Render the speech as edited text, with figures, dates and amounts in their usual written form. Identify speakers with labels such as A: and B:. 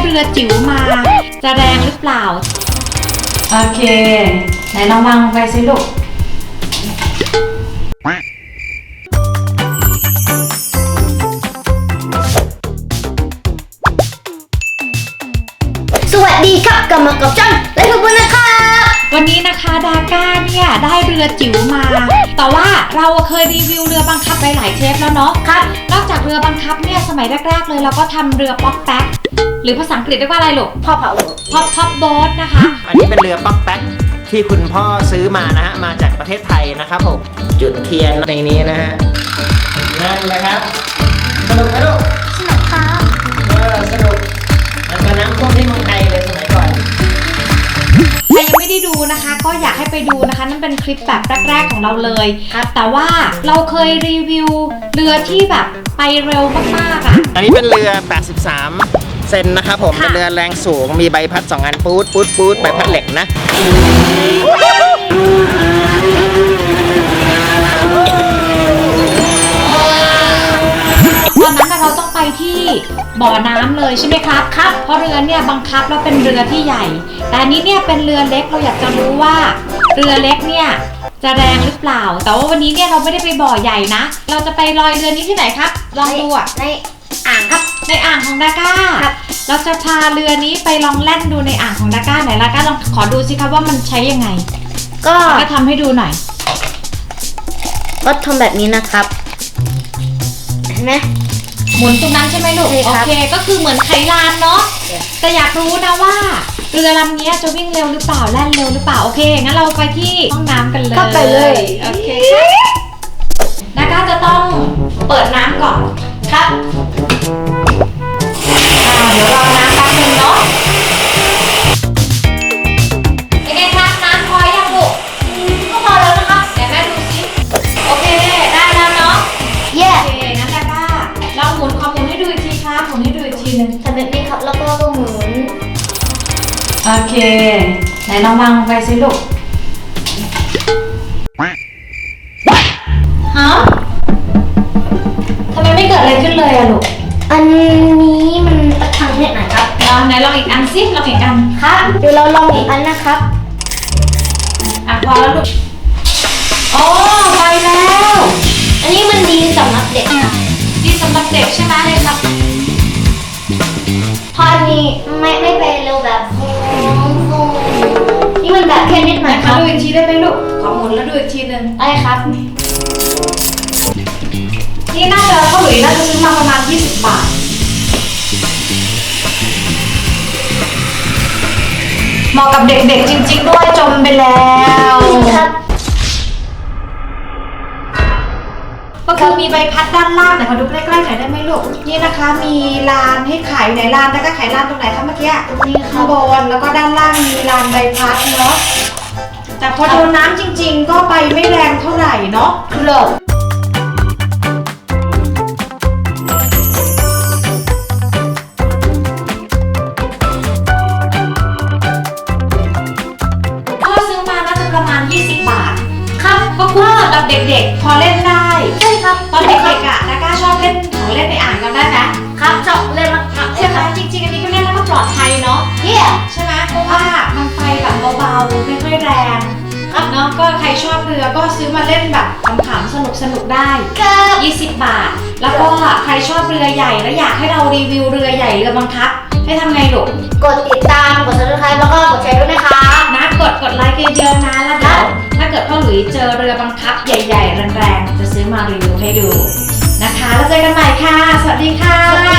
A: รือจิ๋วมาจะแรงหรือเปล่าโอเคไหนลองวางลงไปสิลูก
B: สวัสดีครับกลับมากับช่องและขอบคุณนะครับ
A: วันนี้นะคะดาก้าเนี่ยได้เรือจิ๋วมาแต่ว่าเราเคยรีวิวเรือบังคับไปหลายเทปแล้วเนาะครับนอกจากเรือบังคับเนี่ยสมัยแรกๆเลยเราก็ทำเรือป๊อกแป๊กหรือภาษาอังกฤษเรียกว่าอะไรลูก
B: พ่อเผา
A: พ็อปโบ๊ทนะคะ
C: อันนี้เป็นเรือป๊อกแป๊กที่คุณพ่อซื้อมานะฮะมาจากประเทศไทยนะครับผมจุดเทียนในนี้นะฮะนั่นแหละครับสนุกไหมลูก
B: สนุกครับ
C: สนุกมันก็น้ำท่วมที่เมืองไทยเลยสมัยก่อน
A: ใครยังไม่ได้ดูนะคะก็อยากให้ไปดูนะคะนั่นเป็นคลิปแบบแรกๆของเราเลยแต่ว่าเราเคยรีวิวเรือที่แบบไปเร็วมากๆอ่ะ
C: อันนี้เป็นเรือ 83 เซนนะครับผมเป็นเรือแรงสูงมีใบพัด2 อันปูดใบพัดเหล็กนะ
A: ตอนนั้นเราต้องไปที่บ่อน้ำเลยใช่ไหมครับครับเพราะเรือเนี่ยบังคับแล้วเป็นเรือที่ใหญ่แต่อันนี้เนี่ยเป็นเรือเล็กเราอยากจะรู้ว่าเรือเล็กเนี่ยจะแรงหรือเปล่าแต่ว่าวันนี้เนี่ยเราไม่ได้ไปบ่อใหญ่นะเราจะไปลอยเรือนี้ที่ไหนครับลองดูอ่ะ
B: ในอ่างครับ
A: ในอ่างของดาก้าเราจะพาเรือนี้ไปลองแล่นดูในอ่างของดาก้าไหนดาก้าลองขอดูสิครับว่ามันใช้ยังไงก็ทำให้ดูหน่อย
B: ก็ทำแบบนี้นะครับเห็นไหม
A: หมุนตรงนั้นใช่ไหมลูกโอเคก็คือเหมือนไขลานเนาะแต่อยากรู้นะว่าเรือลำนี้จะวิ่งเร็วหรือเปล่าแล่นเร็วหรือเปล่าโอเคงั้นเราไปที่ห้องน้ำกันเลย
B: ก็ไปเลย
A: โอเคดาก้าจะต้องเปิดน้ำก่อนครับเดี๋ยวรอน้ำแป๊บนึงเนาะยังไงครับน้ำพอยังลูก
B: ก็พอแล้วนะครับ
A: เดี๋ยวแม่ดูสิโอเคได้แล้วเนาะ
B: เย้
A: โอเคงั้นดาก้าลองหมุนให้ดูอีกทีครับหมุนให้ดูอีกทีนึง
B: ทำแบบนี้ครับแล้วก็หมุน
A: โอเคไหนลองวางลงไปสิลูกฮะทำไมไม่เกิดอะไรขึ้นเลยอะลูก
B: อันนี้มันตะคังเนี่ยไหนครับ
A: ไหนลองอีกอันสิลองอีกอัน
B: ครับเดี๋ยวเราลองอีกอันนะครับ
A: พอแล้วลูกโอ้ไปแล้ว
B: อันนี้มันดีสำหรับเด็ก
A: ดีสำหรับเด็กใช่ไหมเลยครับ
B: พอนี้ไม่ไปเร็วแบบนี่มันแบบแค่นิดหน่อย
A: ครับดูอีกทีได้ไหมลูกขอหมุนแล้วดูอีกทีนึง
B: ได้ครับ
A: นี่น่าจะเท่าไหร่น่าจะซื้อมาประมาณ20 บาทเหมาะกับเด็กๆจริงๆด้วยจมไปแล้ว
B: ครับ
A: ก็คือมีใบพัดด้านล่างไหนขอดูใกล้ๆหน่อยได้ไหมลูกนี่นะคะมีลานให้ขายไหนลานแล้วก็ขายลานตรงไหนคะเมื่อกี้
B: นี่
A: ข้างบนแล้วก็ด้านล่างมีลานใบพัดเนาะแต่พอโดนน้ำจริงๆก็ไปไม่แรงเท่าไหร่เนาะ
B: ครับ
A: ประมาณ20 บาทครับก็คุ้มสำหรับเด็กๆพอเล่นได้
B: ใช่ครับ
A: ตอนเด็กๆอ่ะดาก้าชอบเล่นของเล่นในอ่างกันได้ไหม
B: ครับชอบเล่นมาก
A: ใช่ไหมจริงๆอันนี้ก็เล่นแล้วก็ปลอดภัยเนาะใช่ไหมเพราะว่ามันไปแบบเบาๆไม่ค่อยแรงครับเนาะก็ใครชอบเรือก็ซื้อมาเล่นแบบขำๆสนุกๆได้20 บาทแล้วก็ใครชอบเรือใหญ่แล้วอยากให้เรารีวิวเรือใหญ่เรือบังคับให้ทำไงลูก
B: กดติดตามกด Subscribe แล้วก็กดแชร์ด้วยนะคะ
A: นะกดไลค์เยอะๆนะแล้วเดี๋ยวถ้าเกิดพ่อหลุยเจอเรือบังคับใหญ่ๆแรงๆจะซื้อมารีวิวให้ดูนะคะแล้วเจอกันใหม่ค่ะสวัสดีค่ะ